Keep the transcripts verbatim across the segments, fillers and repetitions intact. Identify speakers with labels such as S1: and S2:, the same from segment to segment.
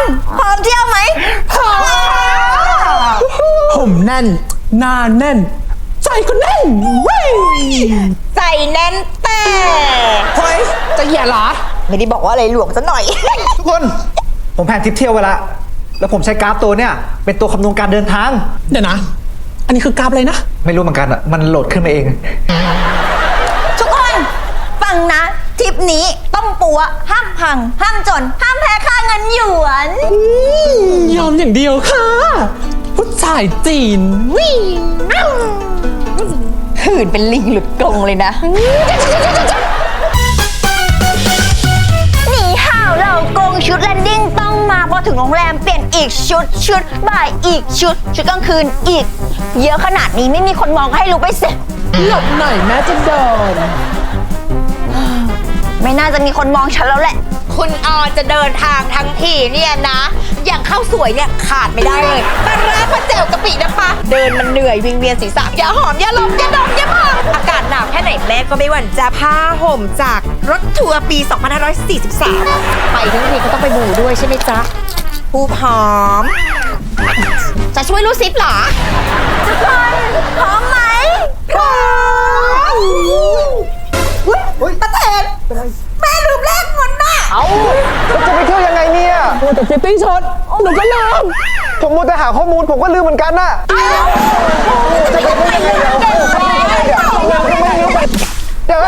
S1: พร้อมเที่ยวไหมพร้อม
S2: ผมแน่นหน้าแน่นใจก็แน่นเว้ย
S1: ใจแน่นแต่
S2: เฮ้ยจะแย่เหรอ
S1: ไม่ได้บอกว่าอะไรหลวงซะหน่อย
S3: ทุกคนผมแผนทริปเที่ยวไว้ละแล้วผมใช้กราฟตัวเนี่ยเป็นตัวคำนวณการเดินทาง
S2: เดี๋ยวนะ อันนี้คือกราฟอะไรนะ
S3: ไม่รู้เหมือนกันอ่ะมันโหลดขึ้นมาเอง
S1: ทุกคนฟังนะทริปนี้ต้องปัวห้ามพัง ห้ามจน ห้ามแพ้ค่าเงินหยวน
S2: ยอมอย่างเดียวค่ะผู้ชายจีนวิ่ง
S1: หื่นเป็นลิงหลุดกรงเลยนะหนีห่าวเรากงชุดแลนดิ้งต้องมาพอถึงโรงแรมเปลี่ยนอีกชุดชุดบ่ายอีกชุด ชุดกลางคืนอีก เยอะขนาดนี้ไม่มีคนมองให้รู้ไปเสร็จ
S2: หลบหน่อยแม่จะโดน
S1: ไม่น่าจะมีคนมองฉันแล้วแหละ
S4: คุณออจะเดินทางทั้งทีเนี่ยนะ อย่างข้าวสวยเนี่ยขาดไม่ได้เลยปลาร้าปลาแจ่วกะปิน้ำปลาเดินมันเหนื่อยวิงเวียนศีรษะอย่าหอมอย่าลมอย่าดมอย่าพองอากาศหนาวแค่ไหนแม่ก็ไม่หวั่นจะผ้าห่มจากรถทัวร์ปี สองพันห้าร้อยสี่สิบสาม ไปทั้งทีก็ต้องไปบูด้วยใช่ไหมจ๊ะปูหอม จะช่วยลูกซิปเหรอ
S1: ทุกคนพร้อมไหมพร้อม
S4: ตาเทนแม่ลืมแลกเงินน่ะ
S3: เอ้าแล้วจะไปเที่ยวยังไงเนี่ย
S2: โอ้แต่ฟิตติ้งช็อตหนูก็ลืม
S3: ผมมัวแต่หาข้อมูลผมก็ลืมเหมือนกันน่ะจะไปเที่ยวยังไงเดี๋ยวเดี๋ยวเดี๋ยว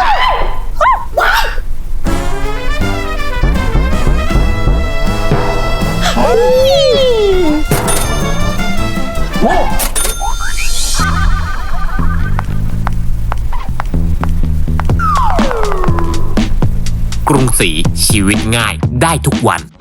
S5: กรุงศรีชีวิตง่ายได้ทุกวัน